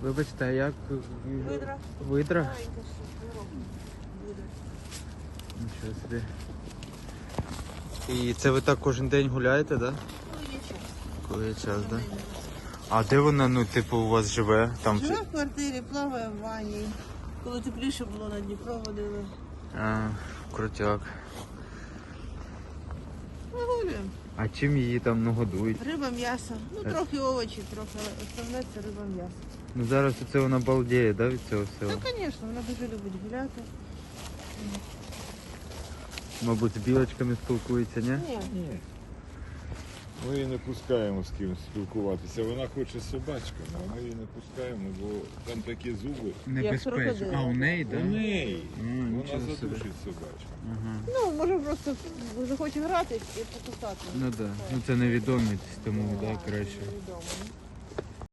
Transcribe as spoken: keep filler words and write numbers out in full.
Вибачте, а як? Видра. Видра? Маленька ще, здорова буде. Нічого собі. І це ви так кожен день гуляєте, так? Да? Ну, є час. Коли є час, так? Да? А де вона, ну, типу, у вас живе? Там Живе в квартирі, плаває в ванні. Коли тепліше було, на Дніпро водили. А, крутяк. Вигулюємо. А чим її там, ну, годують? Риба, м'ясо. Ну, трохи овочі, трохи, але основне це риба, м'ясо. Ну зараз оце вона балдіє, да, від цього всього? Ну, звісно, вона дуже любить гуляти. Мабуть, з білочками спілкується, ні? Ні. Ні. Ми її не пускаємо з ким спілкуватися. Вона хоче з собачками, а ми її не пускаємо, бо там такі зуби. Небезпечно. крокодил. А у неї, У так? неї А, вона нічого собі. задушить собачку. Ага. Ну, може просто захоче грати і покусати. Ну так. Да. Ну це невідомість, тому да, краще. Невідомо.